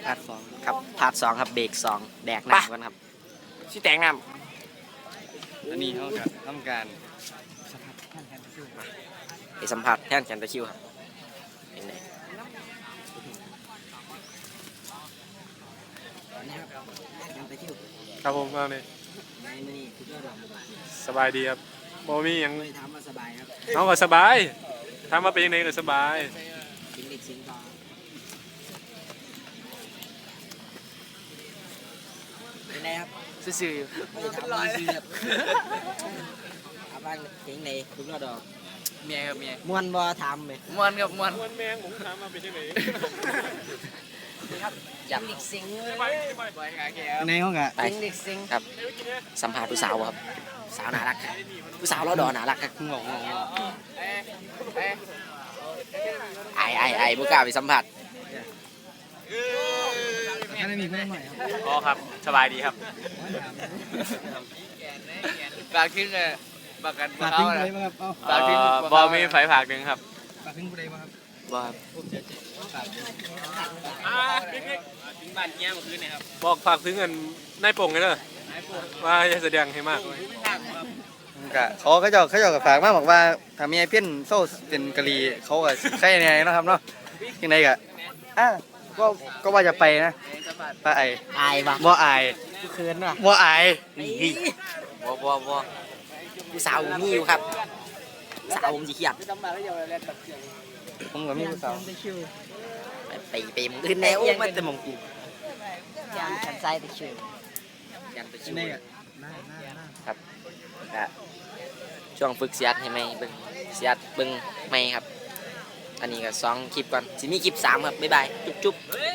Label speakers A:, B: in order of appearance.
A: พาร์ทสองครับพาร์ทสองครับเบรกสองแดกหนักกันครับ
B: ชิแตงน้
C: อันนี้เขาจะทำการ
A: ไปสัมผัสแท่นแคนตะคิวครับเป็นไงนะครับแคนตะคิว
D: ครับผมมาเลย
A: ในมือนี่คือเรื่อง
D: สบายดีครับโมมีหยัง
A: ไม่ทำมาสบายครับ
D: น้องก็สบายทำมาเป็นยังไงก็สบาย
A: กินเด็กสิงต่อเป็นไงครับ
B: ำซื่อ
A: ไม่ทำมาซื้อครับอาบ้านเพลงไหนคุณก็ดอก
B: ๆเมียครับเมีย
A: ม้วนบ่ทำเลย
B: มวนครับมวน
D: วันแมงผมถามมาเป็นยังไง
A: อยากเด็กสิง
B: บอยขาแก
C: ในห้องอะ
A: ไปเด็กสิงครับสัมภาษณ์ผู้สาวครับสาวน่ารักครับผู้สาวเราดอน่ารักครับ
C: งง
A: ไอ้บุกล้าไปสัมผัส
C: แค่ได้มีเพื่อนใหม่
D: อ๋อครับสบายดีครับ
B: ฝากทิ้งเลยประกัน
C: ฝาก
B: เขา
C: ทิ้ง
B: เล
C: อะไร
B: ย
C: บ้างครับเอา
B: ฝากทิ้ง
D: บอมีไฟผักหนึ่งครับ
C: ฝากทิ้งอะไรบ้างครับ
A: ว่า
B: บ้านเงี้ยเมื่อคืนเนี่ยครับ
D: บอกฝากถึงเงินนายโป่งเลยเด้อว่าจะแสดงให้มากเลย
C: กะเขาจะกับฝากมาบอกว่าถ้ามีไอ้เพี้ยนโซ่เป็นกะลีเขาก็ใช่ไงนะครับเนาะยังไงกะก็ว่าจะไปนะป้าไอ
A: อายว่ะ
C: บ่อาย
A: กูเขินว่ะ
C: บ่อาย
A: บ่ผู้สาวผมมีอยู่ครับสาวผมสิเครียด
C: ผมกับมีผู้สาว
A: ไปมึงอื่นแล้วมันแต่มองกูยันฉันใจตะคิวยันตะคิว
C: นี่กะ
A: ครับก็ช่วงฝึกเสียดให้ไหมเบิ่งเสียดเบิ่งไหมครับ อันนี้ก็2คลิปก่อนสิมีคลิป3ครับบ๊ายบายจุ๊บ